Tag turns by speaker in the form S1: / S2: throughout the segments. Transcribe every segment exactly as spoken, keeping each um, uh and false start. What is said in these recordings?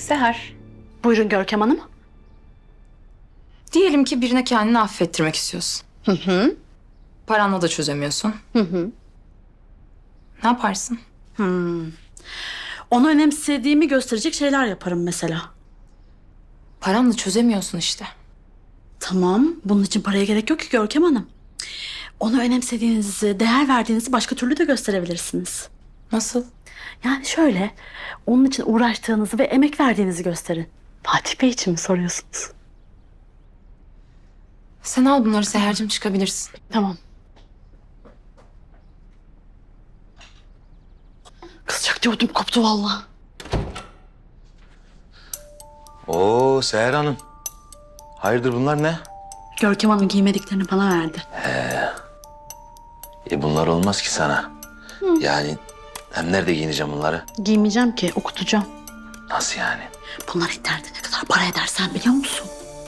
S1: Seher,
S2: Buyurun Görkem Hanım.
S1: diyelim ki birine kendini affettirmek istiyorsun.
S2: Hı hı.
S1: Paranla da çözemiyorsun.
S2: Hı hı.
S1: Ne yaparsın?
S2: Hmm. Onu önemsediğimi gösterecek şeyler yaparım mesela.
S1: Paranla çözemiyorsun işte.
S2: Tamam, bunun için paraya gerek yok ki Görkem Hanım. Onu önemsediğinizi, değer verdiğinizi başka türlü de gösterebilirsiniz.
S1: Nasıl?
S2: Yani şöyle, onun için uğraştığınızı ve emek verdiğinizi gösterin. Fatih Bey için mi soruyorsunuz?
S1: Sen al bunları Seher'cim, çıkabilirsin.
S2: Tamam. Kızacak diyordum, koptu vallahi.
S3: Oo Seher Hanım. Hayırdır bunlar ne?
S2: Görkem Hanım giymediklerini bana verdi.
S3: E bunlar olmaz ki sana. Yani hem nerede giyineceğim bunları?
S2: Giymeyeceğim ki, okutacağım.
S3: Nasıl yani?
S2: Bunlar internette ne kadar para eder sen biliyor musun?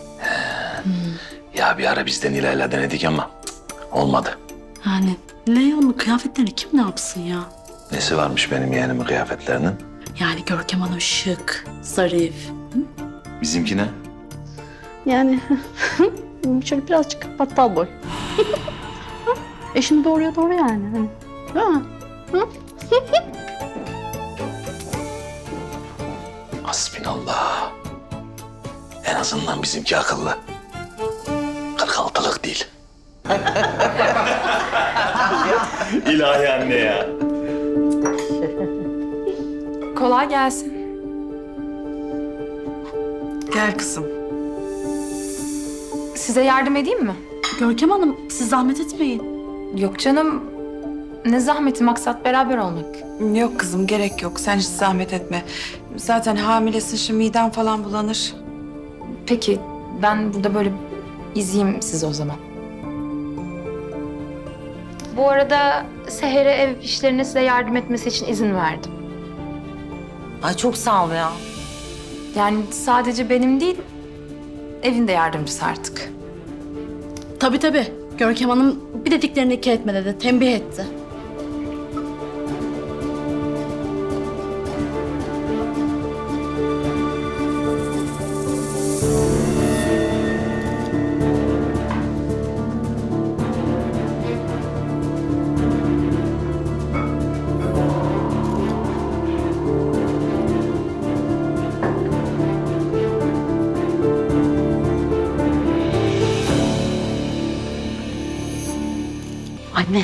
S3: Ya bir ara biz de Nilay'la denedik ama cık, olmadı.
S2: Yani Leon'un kıyafetlerini kim ne yapsın ya?
S3: Nesi varmış benim yeğenimin kıyafetlerinin?
S2: Yani Görkem Hanım şık, zarif.
S3: Bizimki ne?
S2: Yani şöyle birazcık battal boy. Eşini doğruya doğru yani. Hani. Ha.
S3: Hasbinallah. En azından bizimki akıllı. kırk altılık değil. İlahi anne ya.
S1: Kolay gelsin.
S4: Gel kızım.
S1: Size yardım edeyim mi?
S2: Görkem Hanım siz zahmet etmeyin.
S1: Yok canım. Ne zahmeti, maksat beraber olmak.
S4: Yok kızım, gerek yok. Sen hiç zahmet etme. Zaten hamilesin, şimdi miden falan bulanır.
S1: Peki ben burada böyle izleyeyim sizi o zaman. Bu arada Seher'e ev işlerine size yardım etmesi için izin verdim.
S5: Ay çok sağ ol ya.
S1: Yani sadece benim değil, evin de yardımcısı artık.
S2: Tabii tabii. Görkem Hanım bir dediklerini iki etme dedi. Tembih etti. Anne.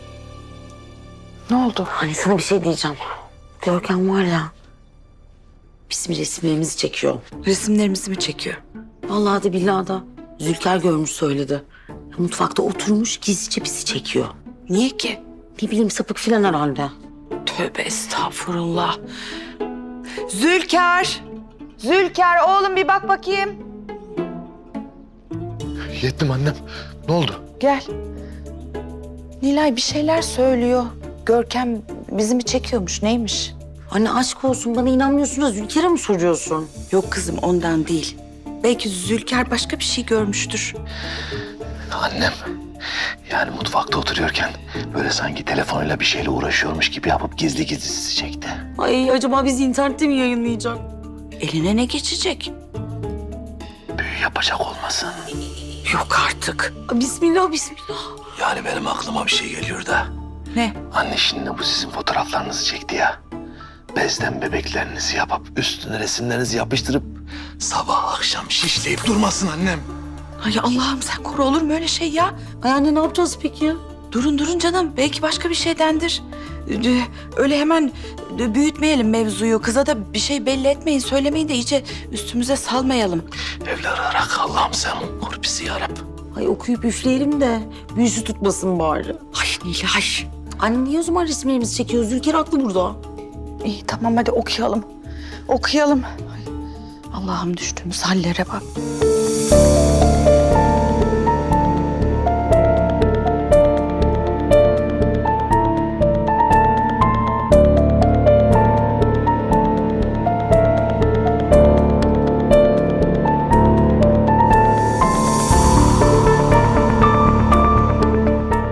S4: Ne oldu?
S5: Hani sana bir şey diyeceğim. Görkem var ya. Bizim resimlerimizi çekiyor.
S4: Resimlerimizi mi çekiyor?
S5: Vallahi de billahi da Zülker görmüş söyledi. Mutfakta oturmuş gizlice bizi çekiyor.
S4: Niye ki?
S5: Ne bileyim sapık filan herhalde.
S4: Tövbe estağfurullah. Zülker! Zülker oğlum bir bak bakayım.
S6: Yettim annem. Ne oldu?
S4: Gel. Nilay bir şeyler söylüyor. Görkem bizi mi çekiyormuş, neymiş?
S5: Anne aşk olsun bana inanmıyorsun da Zülker'e mi soruyorsun?
S4: Yok kızım, ondan değil. Belki Zülker başka bir şey görmüştür.
S3: Annem. Yani mutfakta oturuyorken böyle sanki telefonuyla bir şeyle uğraşıyormuş gibi yapıp gizli gizli sizi çekti.
S5: Ay acaba bizi internette mi yayınlayacak?
S4: Eline ne geçecek?
S3: Büyü yapacak olmasın.
S4: Yok artık.
S5: Bismillah bismillah.
S3: Yani benim aklıma bir şey geliyor da.
S4: Ne?
S3: Anne şimdi bu sizin fotoğraflarınızı çekti ya. Bezden bebeklerinizi yapıp üstüne resimlerinizi yapıştırıp sabah akşam şişleyip durmasın annem.
S4: Ay Allah'ım sen koru, olur mu öyle şey ya?
S5: Ay anne ne yapacağız peki?
S4: Durun durun canım, belki başka bir şeydendir. Ee, Öyle hemen büyütmeyelim mevzuyu. Kıza da bir şey belli etmeyin, söylemeyin de iyice üstümüze salmayalım.
S3: Evlanarak Allah'ım sen koru bizi yarabbim.
S5: Ay okuyup üfleyelim de büyüsü tutmasın bari.
S4: Ay Nilay.
S5: Anne niye o zaman resimlerimizi çekiyor? Zülker haklı burada.
S4: İyi tamam hadi okuyalım. Okuyalım. Ay, Allah'ım düştüğümüz hallere bak.